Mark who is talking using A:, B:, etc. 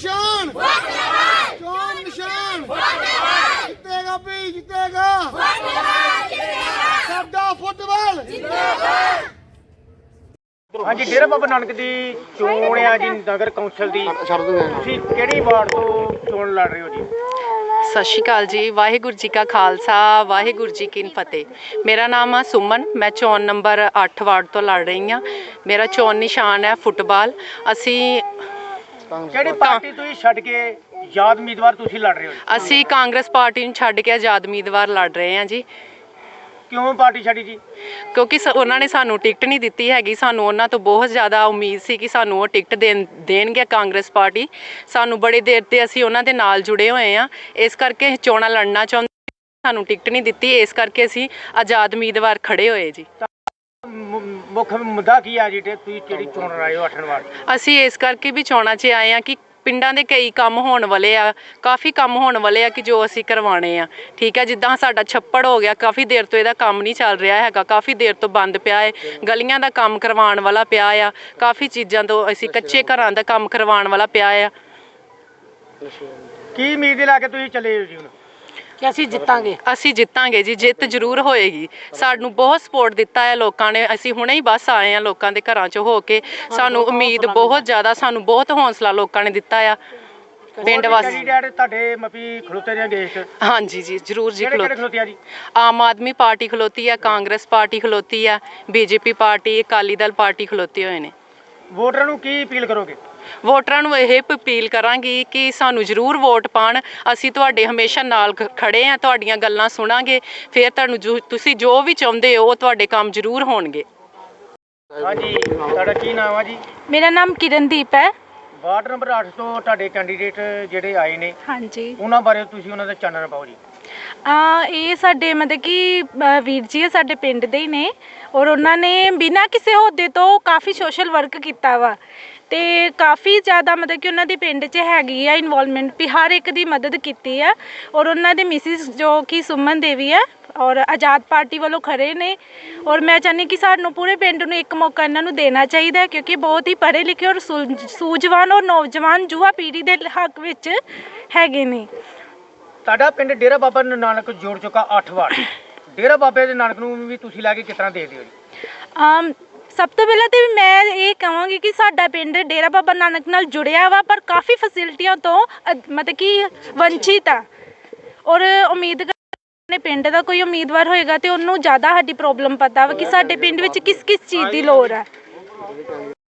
A: निशान चोन निशान जितेगा भी जितेगा साडा फुटबॉल।
B: हाँ जी, डेरा बाबा नानक की चोण है जी नगर कौंसल की, ਤੁਸੀਂ ਕਿਹੜੀ ਵਾਰਡ ਤੋਂ ਚੋਣ ਲੜ ਰਹੇ ਹੋ ਜੀ?
C: ਸਤਿ ਸ਼੍ਰੀ ਅਕਾਲ ਜੀ। ਵਾਹਿਗੁਰੂ ਜੀ ਕਾ ਖਾਲਸਾ, ਵਾਹਿਗੁਰੂ ਜੀ ਕੀ ਫਤਿਹ। ਮੇਰਾ ਨਾਮ ਆ ਸੁਮਨ, ਮੈਂ ਚੋਣ ਨੰਬਰ 8 ਵਾਰਡ ਤੋਂ ਲੜ ਰਹੀ ਹਾਂ। ਮੇਰਾ ਚੋਣ ਨਿਸ਼ਾਨ ਹੈ ਫੁੱਟਬਾਲ। ਅਸੀਂ
B: ਕਿਹੜੀ ਪਾਰਟੀ ਤੁਸੀਂ ਛੱਡ ਕੇ ਆਜ਼ਾਦ ਉਮੀਦਵਾਰ ਤੁਸੀਂ ਲੜ ਰਹੇ ਹੋ ਜੀ?
C: ਅਸੀਂ ਕਾਂਗਰਸ ਪਾਰਟੀ ਨੂੰ ਛੱਡ ਕੇ ਆਜ਼ਾਦ ਉਮੀਦਵਾਰ ਲੜ ਰਹੇ ਹਾਂ ਜੀ।
B: ਕਿਉਂ ਪਾਰਟੀ ਛੱਡੀ ਜੀ?
C: ਕਿਉਂਕਿ ਉਹਨਾਂ ਨੇ ਸਾਨੂੰ ਟਿਕਟ ਨਹੀਂ ਦਿੱਤੀ ਹੈਗੀ। ਸਾਨੂੰ ਉਹਨਾਂ ਤੋਂ ਬਹੁਤ ਜ਼ਿਆਦਾ ਉਮੀਦ ਸੀ ਕਿ ਸਾਨੂੰ ਉਹ ਟਿਕਟ ਦੇਣਗੇ ਕਾਂਗਰਸ ਪਾਰਟੀ। ਸਾਨੂੰ ਬੜੀ ਦੇਰ ਤੇ ਅਸੀਂ ਉਹਨਾਂ ਦੇ ਨਾਲ ਜੁੜੇ ਹੋਏ ਹਾਂ, ਇਸ ਕਰਕੇ ਚੋਣਾਂ ਲੜਨਾ ਚਾਹੁੰਦੇ, ਸਾਨੂੰ ਟਿਕਟ ਨਹੀਂ ਦਿੱਤੀ, ਇਸ ਕਰਕੇ ਅਸੀਂ ਆਜ਼ਾਦ ਉਮੀਦਵਾਰ ਖੜੇ ਹੋਏ ਜੀ।
B: ਮੁੱਖ ਮੁੱਦਾ ਕੀ ਆ ਜੀ ਤੁਸੀਂ ਜਿਹੜੀ ਚੋਣ ਲੜ ਰਹੇ ਹੋ 8 ਵਾਰਡ?
C: ਅਸੀਂ ਇਸ ਕਰਕੇ ਵੀ ਚੋਣਾਂ 'ਚ ਆਏ ਹਾਂ ਕਿ ਪਿੰਡਾਂ ਦੇ ਕਈ ਕੰਮ ਹੋਣ ਵਾਲੇ ਆ, ਕਾਫੀ ਕੰਮ ਹੋਣ ਵਾਲੇ ਆ ਕਿ ਜੋ ਅਸੀਂ ਕਰਵਾਉਣੇ ਆ। ਠੀਕ ਹੈ, ਜਿੱਦਾਂ ਸਾਡਾ ਛੱਪੜ ਹੋ ਗਿਆ, ਕਾਫੀ ਦੇਰ ਤੋਂ ਇਹਦਾ ਕੰਮ ਨਹੀਂ ਚੱਲ ਰਿਹਾ ਹੈਗਾ, ਕਾਫੀ ਦੇਰ ਤੋਂ ਬੰਦ ਪਿਆ ਹੈ। ਗਲੀਆਂ ਦਾ ਕੰਮ ਕਰਵਾਉਣ ਵਾਲਾ ਪਿਆ ਆ, ਕਾਫੀ ਚੀਜ਼ਾਂ ਤੋਂ ਅਸੀਂ ਕੱਚੇ ਘਰਾਂ ਦਾ ਕੰਮ ਕਰਵਾਉਣ ਵਾਲਾ ਪਿਆ ਆ।
B: ਕੀ ਉਮੀਦ ਲਾ ਕੇ ਤੁਸੀਂ ਚੱਲੇ ਹੋ ਜੀ ਹੁਣ?
C: ਕਿ ਅਸੀਂ ਜਿੱਤਾਂਗੇ ਜੀ, ਜਿੱਤ ਜ਼ਰੂਰ ਹੋਏਗੀ। ਸਾਨੂੰ ਬਹੁਤ ਸਪੋਰਟ ਦਿੱਤਾ ਹੈ ਲੋਕਾਂ ਨੇ। ਅਸੀਂ ਹੁਣੇ ਹੀ ਬਸ ਆਏ ਹਾਂ ਲੋਕਾਂ ਦੇ ਘਰਾਂ 'ਚੋਂ ਹੋ ਕੇ। ਸਾਨੂੰ ਉਮੀਦ ਬਹੁਤ ਜ਼ਿਆਦਾ, ਸਾਨੂੰ ਬਹੁਤ ਹੌਸਲਾ ਲੋਕਾਂ ਨੇ ਦਿੱਤਾ ਆ ਪਿੰਡ ਵਾਸੀ।
B: ਤੁਹਾਡੇ ਮਪੀ ਖਲੋਤੇ ਨੇ ਦੇਸ਼?
C: ਹਾਂਜੀ ਜੀ, ਜ਼ਰੂਰ ਜੀ।
B: ਖਲੋਤੇ ਆ ਜੀ?
C: ਆਮ ਆਦਮੀ ਪਾਰਟੀ ਖਲੋਤੀ ਆ, ਕਾਂਗਰਸ ਪਾਰਟੀ ਖਲੋਤੀ ਆ, BJP party, Akali Dal party ਖਲੋਤੇ ਹੋਏ ਨੇ।
B: ਵੋਟਰਾਂ ਨੂੰ ਕੀ ਅਪੀਲ ਕਰੋਗੇ?
C: ਵੋਟਰਾਂ ਨੂੰ ਇਹ ਅਪੀਲ ਕਰਾਂਗੀ ਕਿ ਸਾਨੂੰ ਜ਼ਰੂਰ ਵੋਟ ਪਾਉਣ। ਅਸੀਂ ਤੁਹਾਡੇ ਹਮੇਸ਼ਾ ਨਾਲ ਖੜੇ ਹਾਂ, ਤੁਹਾਡੀਆਂ ਗੱਲਾਂ ਸੁਣਾਂਗੇ, ਫਿਰ ਤੁਹਾਨੂੰ ਤੁਸੀਂ ਜੋ ਵੀ ਚਾਹੁੰਦੇ ਹੋ ਉਹ ਤੁਹਾਡੇ ਕੰਮ ਜ਼ਰੂਰ ਹੋਣਗੇ।
B: ਹਾਂਜੀ, ਤੁਹਾਡਾ ਕੀ ਨਾਮ ਆ ਜੀ?
D: ਮੇਰਾ ਨਾਮ ਕਿਰਨਦੀਪ ਹੈ।
B: ਵਾਰਡ ਨੰਬਰ 8 ਤੋਂ ਤੁਹਾਡੇ ਕੈਂਡੀਡੇਟ ਜਿਹੜੇ ਆਏ ਨੇ,
D: ਹਾਂਜੀ,
B: ਉਹਨਾਂ ਬਾਰੇ ਤੁਸੀਂ ਉਹਨਾਂ ਦਾ ਚਾਨਣ ਪਾਓ ਜੀ।
D: ਇਹ ਸਾਡੇ ਮਤਲਬ ਕਿ ਵੀਰ ਜੀ ਹੈ, ਸਾਡੇ ਪਿੰਡ ਦੇ ਹੀ ਨੇ, ਔਰ ਉਹਨਾਂ ਨੇ ਬਿਨਾਂ ਕਿਸੇ ਅਹੁਦੇ ਤੋਂ ਕਾਫੀ ਸੋਸ਼ਲ ਵਰਕ ਕੀਤਾ ਵਾ, ਅਤੇ ਕਾਫੀ ਜ਼ਿਆਦਾ ਮਤਲਬ ਕਿ ਉਹਨਾਂ ਦੇ ਪਿੰਡ 'ਚ ਹੈਗੀ ਆ ਇਨਵੋਲਵਮੈਂਟ ਵੀ, ਹਰ ਇੱਕ ਦੀ ਮਦਦ ਕੀਤੀ ਆ। ਔਰ ਉਹਨਾਂ ਦੇ ਮਿਸਿਸ ਜੋ ਕਿ ਸੁਮਨ ਦੇਵੀ ਹੈ, ਔਰ ਆਜ਼ਾਦ ਪਾਰਟੀ ਵੱਲੋਂ ਖੜੇ ਨੇ। ਔਰ ਮੈਂ ਚਾਹੁੰਦੀ ਕਿ ਸਾਨੂੰ ਪੂਰੇ ਪਿੰਡ ਨੂੰ ਇੱਕ ਮੌਕਾ ਇਹਨਾਂ ਨੂੰ ਦੇਣਾ ਚਾਹੀਦਾ, ਕਿਉਂਕਿ ਬਹੁਤ ਹੀ ਪੜ੍ਹੇ ਲਿਖੇ ਔਰ ਸੂਝਵਾਨ ਔਰ ਨੌਜਵਾਨ ਯੁਵਾ ਪੀੜ੍ਹੀ ਦੇ ਹੱਕ ਵਿੱਚ ਹੈਗੇ ਨੇ।
B: ਤੁਹਾਡਾ ਪਿੰਡ ਡੇਰਾ ਬਾਬਾ ਨਾਨਕ ਜੋੜ ਚੁੱਕਾ 8 ਵਾਰਡ, ਡੇਰਾ ਬਾਬੇ ਦੇ ਨਾਨਕ ਨੂੰ ਵੀ ਤੁਸੀਂ ਲੈ ਕੇ ਕਿਸ ਤਰ੍ਹਾਂ ਦੇਖਦੇ ਹੋ ਜੀ?
D: ਸਭ ਤੋਂ ਪਹਿਲਾਂ ਤਾਂ ਮੈਂ ਇਹ ਕਹਾਂਗੀ ਕਿ ਸਾਡਾ ਪਿੰਡ ਡੇਰਾ ਬਾਬਾ ਨਾਨਕ ਨਾਲ ਜੁੜਿਆ ਵਾ, ਪਰ ਕਾਫੀ ਫੈਸਿਲਿਟੀਆਂ ਤੋਂ ਮਤਲਬ ਕਿ ਵੰਚਿਤ ਆ। ਔਰ ਉਮੀਦ ਆਪਣੇ ਪਿੰਡ ਦਾ ਕੋਈ ਉਮੀਦਵਾਰ ਹੋਏਗਾ ਤੇ ਉਹਨੂੰ ਜ਼ਿਆਦਾ ਸਾਡੀ ਪ੍ਰੋਬਲਮ ਪਤਾ ਵਾ ਕਿ ਸਾਡੇ ਪਿੰਡ ਵਿੱਚ ਕਿਸ ਕਿਸ ਚੀਜ਼ ਦੀ ਲੋੜ ਹੈ।